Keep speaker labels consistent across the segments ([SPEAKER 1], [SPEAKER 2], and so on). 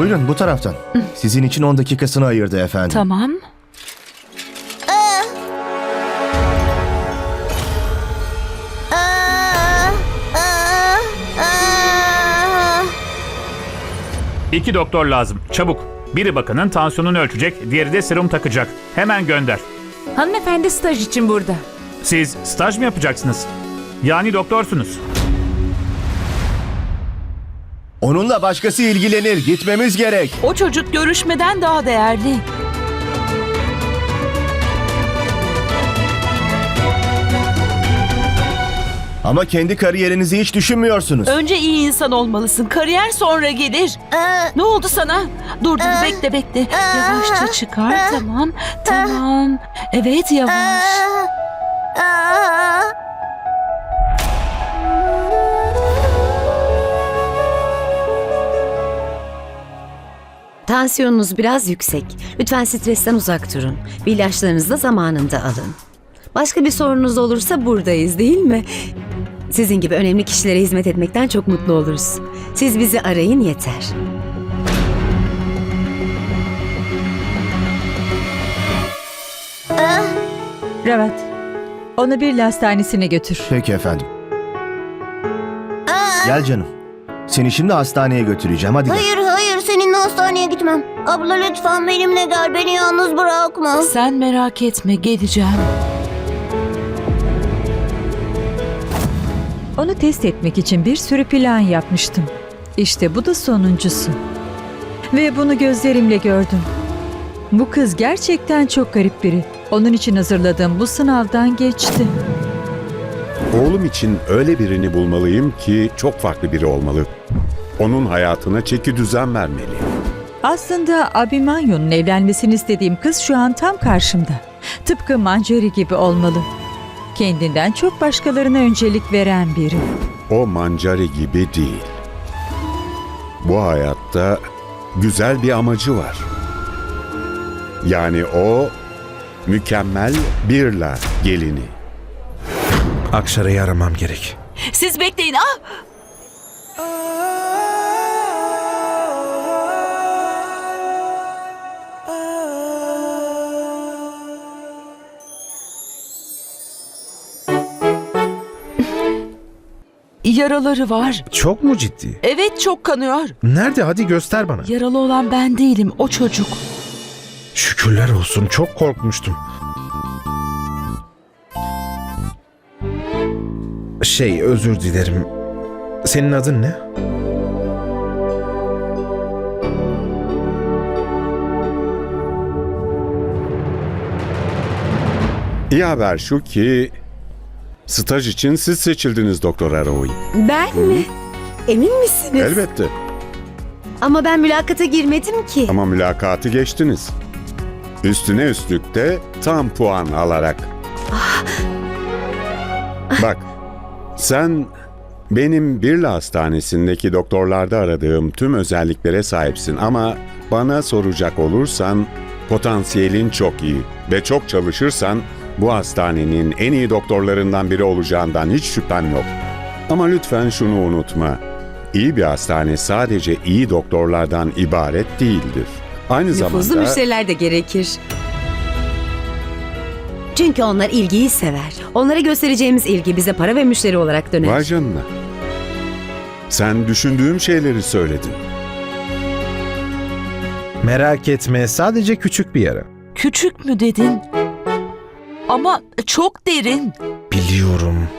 [SPEAKER 1] Buyurun bu taraftan. Sizin için 10 dakikasını ayırdı efendim.
[SPEAKER 2] Tamam.
[SPEAKER 3] İki doktor lazım. Çabuk. Biri bakının tansiyonunu ölçecek, diğeri de serum takacak. Hemen gönder.
[SPEAKER 2] Hanımefendi staj için burada.
[SPEAKER 3] Siz staj mı yapacaksınız? Yani doktorsunuz.
[SPEAKER 1] Onunla başkası ilgilenir. Gitmemiz gerek.
[SPEAKER 2] O çocuk görüşmeden daha değerli.
[SPEAKER 1] Ama kendi kariyerinizi hiç düşünmüyorsunuz.
[SPEAKER 2] Önce iyi insan olmalısın. Kariyer sonra gelir. Ne oldu sana? Dur bekle. Yavaşça çıkar. Tamam. Evet yavaş.
[SPEAKER 4] Tansiyonunuz biraz yüksek. Lütfen stresten uzak durun. Bir ilaçlarınızı da zamanında alın. Başka bir sorunuz olursa buradayız, değil mi? Sizin gibi önemli kişilere hizmet etmekten çok mutlu oluruz. Siz bizi arayın yeter.
[SPEAKER 5] Ravat, onu bir hastanesine götür.
[SPEAKER 1] Peki efendim. Gel canım. Seni şimdi hastaneye götüreceğim. Hadi gel.
[SPEAKER 6] Hayır seninle hastaneye gitmem. Abla lütfen benimle gel, beni yalnız bırakma.
[SPEAKER 2] Sen merak etme, geleceğim.
[SPEAKER 5] Onu test etmek için bir sürü plan yapmıştım. İşte bu da sonuncusu. Ve bunu gözlerimle gördüm. Bu kız gerçekten çok garip biri. Onun için hazırladığım bu sınavdan geçti.
[SPEAKER 7] Oğlum için öyle birini bulmalıyım ki çok farklı biri olmalı. Onun hayatına çeki düzen vermeliyim.
[SPEAKER 5] Aslında Abimanyu'nun evlenmesini istediğim kız şu an tam karşımda. Tıpkı Manjari gibi olmalı. Kendinden çok başkalarına öncelik veren biri.
[SPEAKER 7] O Manjari gibi değil. Bu hayatta güzel bir amacı var. Yani o mükemmel Birla gelini.
[SPEAKER 8] Akşara'yı aramam gerek.
[SPEAKER 2] Siz bekleyin. Yaraları var.
[SPEAKER 8] Çok mu ciddi?
[SPEAKER 2] Evet, çok kanıyor.
[SPEAKER 8] Nerede? Hadi göster bana.
[SPEAKER 2] Yaralı olan ben değilim, o çocuk.
[SPEAKER 8] Şükürler olsun. Çok korkmuştum. Özür dilerim. Senin adın ne?
[SPEAKER 7] İyi haber şu ki staj için siz seçildiniz Doktor Aroy.
[SPEAKER 4] Ben mi? Emin misiniz?
[SPEAKER 7] Elbette.
[SPEAKER 4] Ama ben mülakata girmedim ki.
[SPEAKER 7] Ama mülakatı geçtiniz. Üstüne üstlük de tam puan alarak. Bak, sen benim Birla Hastanesi'ndeki doktorlarda aradığım tüm özelliklere sahipsin ama bana soracak olursan potansiyelin çok iyi ve çok çalışırsan bu hastanenin en iyi doktorlarından biri olacağından hiç şüphem yok. Ama lütfen şunu unutma. İyi bir hastane sadece iyi doktorlardan ibaret değildir. Aynı
[SPEAKER 4] Nüfuzlu
[SPEAKER 7] zamanda
[SPEAKER 4] müşteriler de gerekir. Çünkü onlar ilgiyi sever. Onlara göstereceğimiz ilgi bize para ve müşteri olarak döner.
[SPEAKER 7] vay canına. Sen düşündüğüm şeyleri söyledin.
[SPEAKER 8] Merak etme. Sadece küçük bir yara.
[SPEAKER 2] Küçük mü dedin? Ama çok derin.
[SPEAKER 8] Biliyorum.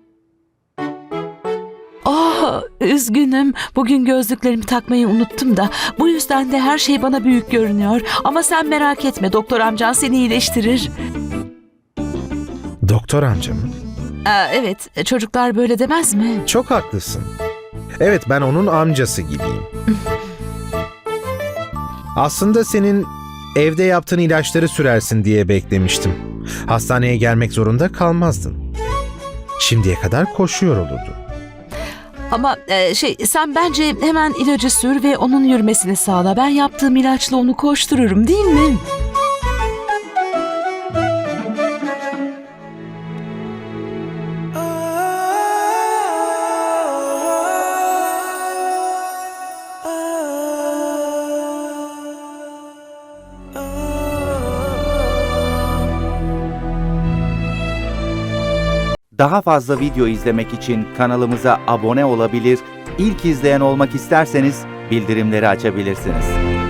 [SPEAKER 2] Üzgünüm. Bugün gözlüklerimi takmayı unuttum da. Bu yüzden de her şey bana büyük görünüyor. Ama sen merak etme. Doktor amcan seni iyileştirir.
[SPEAKER 8] Doktor amca mı?
[SPEAKER 2] Evet. Çocuklar böyle demez mi?
[SPEAKER 8] Çok haklısın. Evet, ben onun amcası gibiyim. Aslında senin evde yaptığın ilaçları sürersin diye beklemiştim. Hastaneye gelmek zorunda kalmazdın. Şimdiye kadar koşuyor olurdun.
[SPEAKER 2] Ama sen bence hemen ilacı sür ve onun yürümesini sağla. Ben yaptığım ilaçla onu koştururum, değil mi?
[SPEAKER 9] Daha fazla video izlemek için kanalımıza abone olabilir, ilk izleyen olmak isterseniz bildirimleri açabilirsiniz.